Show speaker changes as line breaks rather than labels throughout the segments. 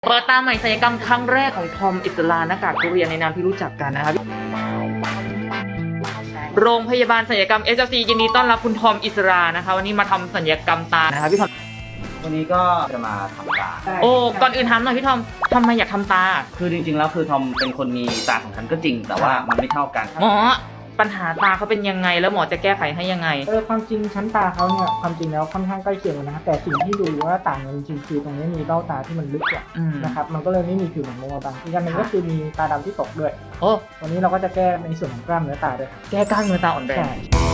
เปิดตาใหม่ศัลยกรรมครั้งแรกของทอมอิสราหน้ากากทุเรียนในนามที่รู้จักกันนะครับโรงพยาบาลศัลยกรรม SLC ยินดีต้อนรับคุณทอมอิสรานะคะวันนี้มาทำศัลยกรรมตานะคะพี่ทอม
วันนี้ก็จะมาทำตา
โอ้ก่อนอื่นถามหน่อยพี่ทอมทำไมอยากทำตา
คือจริงๆแล้วคือทอมเป็นคนมีตาของฉันก็จริง แต่ว่ามันไม่เท่ากัน
หมอปัญหาตาเขาเป็นยังไงแล้วหมอจะแก้ไขให้ยังไง
ความจริงชั้นตาเขาเนี่ยความจริงแล้วค่อนข้างใกล้เคียงกันนะครับแต่สิ่งที่ดูว่าต่างกันจริงๆคือตรงนี้มีเบ้าตาที่มันลึกกว่านะครับมันก็เลยไม่มีผิวหนังลงมาบังอีกอย่างหนึ่งก็คือมีตาดำที่ตกด้วย
โอ้
วันนี้เราก็จะแก้ในส่วนของกล้ามเนื้อตาด้วยครับ
แก้กล้ามเนื้อตาอ่อนแรง
ใช่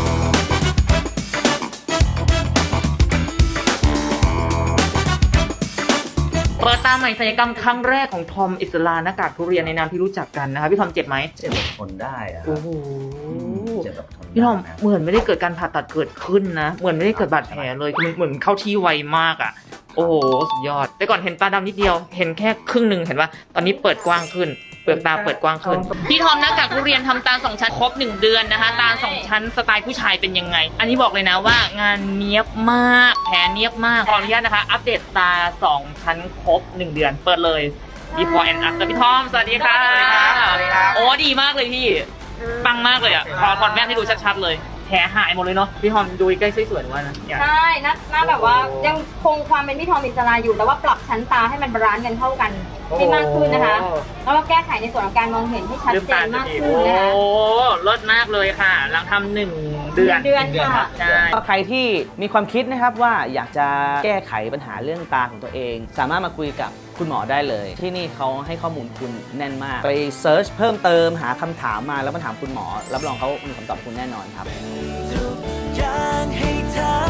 เปิดตาใหม่ศัลยกรรมครั้งแรกของทอมอิสราหน้ากากทุเรียนในนามที่รู้จักกันนะคะพี่ทอมเจ็บไหม
เจ็บแบบทนได้อะครับ
โอ้โห
เจ็บแบบทนได้
พี่ทอม
นะ
เหมือนไม่ได้เกิดการผ่าตัดเกิดขึ้นนะเหมือนไม่ได้เกิดบาดแผลเลยคือเหมือนเข้าที่ไวมากอ่ะโอ้โหสุดยอดแต่ก่อนเห็นตาดำนิดเดียวเห็นแค่ครึ่งหนึ่งเห็นว่าตอนนี้เปิดกว้างขึ้นเปลือกตาเปิดกว้างขึ้นพี่ทอมหน้ากากทุเรียนทำตา2ชั้นครบ1เดือนนะคะตา2ชั้นสไตล์ผู้ชายเป็นยังไง อันนี้บอกเลยนะว่างานเนียบมากแผลเนียบมากขออนุญาตนะคะ อัปเดตตา2ชั้นครบ1เดือนเปิดเลย before and after พี่ทอมสวัสดีค่ะ
สวัสดีครับ
โอ้ดีมากเลยพี่ปังมากเลยอ่ะขอถอดแว่นให้ดูชัดๆเลยแผลหายหมดเลยเนาะพี่ทอมดูใกล้สวยๆว่านะอยาก
ใช่หน้าแบบว่ายังคงความเป็นพี่ทอมอิสราอยู่แต่ว่าปรับชั้นตาให้มันบาลานซ์กันเข้ากันให้มากขึ้นนะคะ แล้วก็แก้ไขในส่วนของการมองเห็นให้ชัด
ลืม
เจ
ตาน
มาก
ดี
ขึ้น
โอ้
นะคะ
ลดมากเลยค่ะ หลังทำ1 เดือน
เดือนค่ะ
ใช่
ก็ใครที่มีความคิดนะครับว่าอยากจะแก้ไขปัญหาเรื่องตาของตัวเอง สามารถมาคุยกับคุณหมอได้เลย ที่นี่เขาให้ข้อมูลคุณแน่นมาก ไปเซิร์ชเพิ่มเติมหาคำถามมาแล้วมาถามคุณหมอ รับรองเขามีคำตอบคุณแน่นอนครับ
ทุกอย่างให้เธอ